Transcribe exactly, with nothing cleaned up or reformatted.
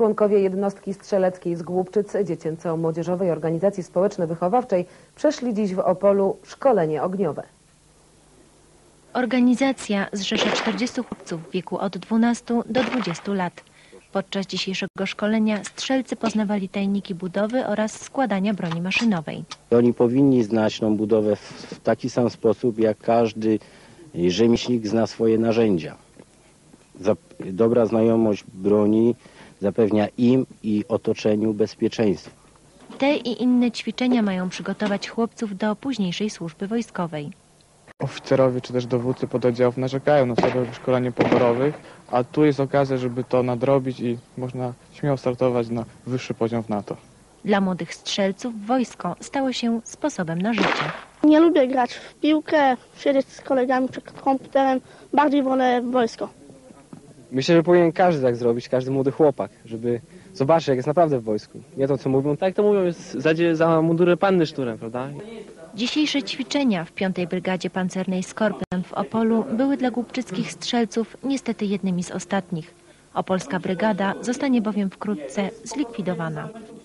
Członkowie jednostki strzeleckiej z Głubczyc Dziecięco-Młodzieżowej Organizacji Społeczno-Wychowawczej przeszli dziś w Opolu szkolenie ogniowe. Organizacja zrzesza czterdziestu chłopców w wieku od dwunastu do dwudziestu lat. Podczas dzisiejszego szkolenia strzelcy poznawali tajniki budowy oraz składania broni maszynowej. Oni powinni znać tą budowę w taki sam sposób, jak każdy rzemieślnik zna swoje narzędzia. Dobra znajomość broni zapewnia im i otoczeniu bezpieczeństwo. Te i inne ćwiczenia mają przygotować chłopców do późniejszej służby wojskowej. Oficerowie czy też dowódcy pododdziałów narzekają na słabe szkolenie poborowych, a tu jest okazja, żeby to nadrobić i można śmiało startować na wyższy poziom w NATO. Dla młodych strzelców wojsko stało się sposobem na życie. Nie lubię grać w piłkę, siedzieć z kolegami przed komputerem, bardziej wolę wojsko. Myślę, że powinien każdy tak zrobić, każdy młody chłopak, żeby zobaczyć, jak jest naprawdę w wojsku. Nie to, co mówią, tak to mówią, jest zadzie za mundurę panny szturem, prawda? Dzisiejsze ćwiczenia w piątej Brygadzie Pancernej Skorpion w Opolu były dla głubczyckich strzelców niestety jednymi z ostatnich. Opolska brygada zostanie bowiem wkrótce zlikwidowana.